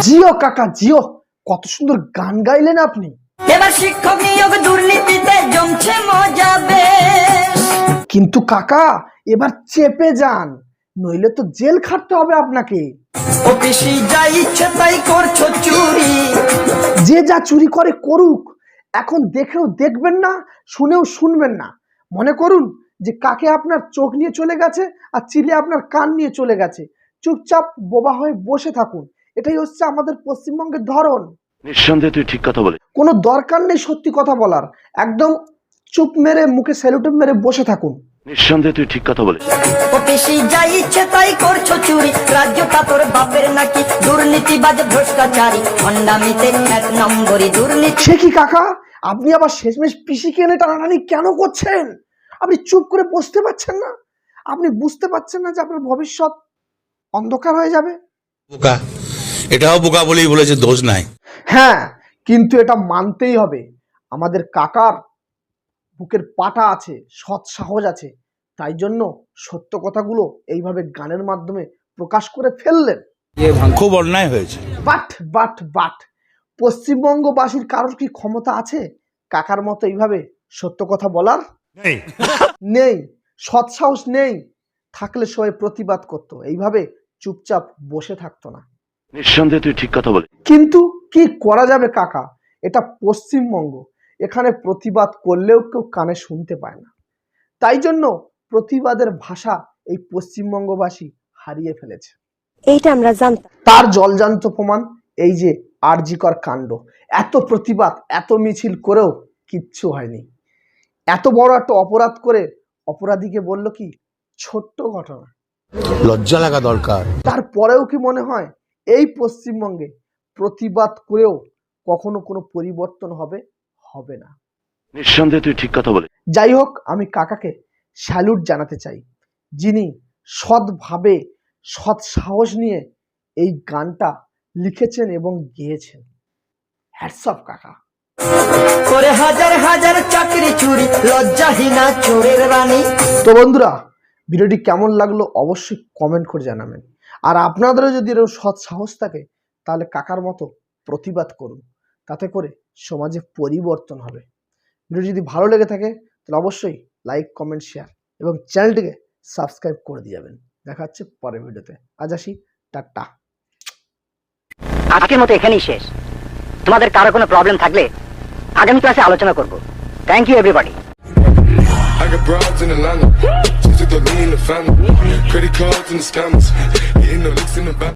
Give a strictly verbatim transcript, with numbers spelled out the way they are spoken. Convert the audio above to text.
জিও কাকা জিও, কত সুন্দর গান গাইলেন আপনি। এবার শিক্ষক নিয়োগ দুর্নীতিতে জমছে মজা বেশ। কিন্তু কাকা এবার চেপে যান, নইলে তো জেল খাটতে হবে আপনাকে। অফিসে যা ইচ্ছে তাই করছো চুরি। যে যা চুরি করে করুক, এখন দেখেও দেখবেন না, শুনেও শুনবেন না। মনে করুন যে কাকে আপনার চোখ নিয়ে চলে গেছে আর চিলে আপনার কান নিয়ে চলে গেছে, চুপচাপ বোবা হয়ে বসে থাকুন। এটাই হচ্ছে আমাদের পশ্চিমবঙ্গের ধরন। নিঃসন্দেহে তুই ঠিক কথা বলে। কোনো দরকার নেই সত্যি কথা বলার, একদম চুপ মেরে মুখে স্যালুট মেরে বসে থাকুন। নিঃসন্দেহে তুই ঠিক কথা বলে। অফিসে যা ইচ্ছে তাই করছো চুরি। রাজ্যটা তোর বাপের নাকি? দুর্নীতিবাজ ভ্রষ্টাচারী হন্ডামিতে এক নম্বরই দুর্নীতি। সে কি কাকা, আপনি আবার শেষমেশ পিসিকে এনে টানাটানি কেন করছেন? আপনি চুপ করে বসতে পারছেন না? আপনি বুঝতে পারছেন না যে আপনার ভবিষ্যৎ অন্ধকার হয়ে যাবে? বোকা, এটাও বোকা বলেই বলেছে, দোষ নাই। হ্যাঁ, কিন্তু এটা মানতেই হবে, আমাদের কাকার বুকের পাটা আছে, সৎ সাহস আছে, তাই জন্য সত্য কথাগুলো এইভাবে গানের মাধ্যমে প্রকাশ করে ফেললেন। খুব অন্যায় হয়েছে। বাট বাট বাট পশ্চিমবঙ্গবাসীর কারোর কি ক্ষমতা আছে কাকার মতো এইভাবে সত্য কথা বলার? নেই, সৎ সাহস নেই। থাকলে সবাই প্রতিবাদ করতো, এইভাবে চুপচাপ বসে থাকতো না। নিঃসন্দেহে তুই ঠিক কথা বলে। কিন্তু কি করা যাবে কাকা, এটা পশ্চিমবঙ্গ, এখানে প্রতিবাদ করলেও কেউ কানে শুনতে পায় না। তাই জন্য প্রতিবাদের ভাষা এই পশ্চিমবঙ্গবাসী হারিয়ে ফেলেছে। এইটা আমরা জানতাম। তার জলজান্ত প্রমাণ এই যে আরজিকর কাণ্ড। এত প্রতিবাদ, এত মিছিল করেও কিচ্ছু হয়নি। এত বড় একটা অপরাধ করে অপরাধীকে বলল কি ছোট্ট ঘটনা। লজ্জা লাগা দরকার। তারপরেও কি মনে হয় এই পশ্চিমবঙ্গে প্রতিবাদ করেও কখনো কোনো পরিবর্তন হবে? হবে না। নিঃসন্দেহে তুই ঠিক কথা বলে। যাই হোক, আমি কাকাকে স্যালুট জানাতে চাই, যিনি সৎভাবে সৎ সাহস নিয়ে এই গানটা লিখেছেন এবং গেয়েছেন। হ্যাটস অফ কাকা। করে হাজার হাজার চাকরি চুরি, লজ্জাহীনা চোরের রানী। তো বন্ধুরা, ভিডিওটি কেমন লাগলো অবশ্যই কমেন্ট করে জানাবেন। আর আপনাদেরও যদি এরকম সৎ সাহস থাকে তাহলে কাকার মতো প্রতিবাদ করুন, তাতে করে সমাজে পরিবর্তন হবে। ভিডিও যদি ভালো লেগে থাকে তাহলে অবশ্যই লাইক, কমেন্ট, শেয়ার এবং চ্যানেলটিকে সাবস্ক্রাইব করে দিয়ে যাবেন। দেখা হচ্ছে পরের ভিডিওতে। আজ আসি, টাটা। আজকের মতো এখানেই শেষ। তোমাদের কারো কোনো প্রবলেম থাকলে আগামী ক্লাসে আলোচনা করব। Thank you everybody. I got broads in Atlanta, just took the lean in the family, credit cards and the scammers, hitting the licks in the back.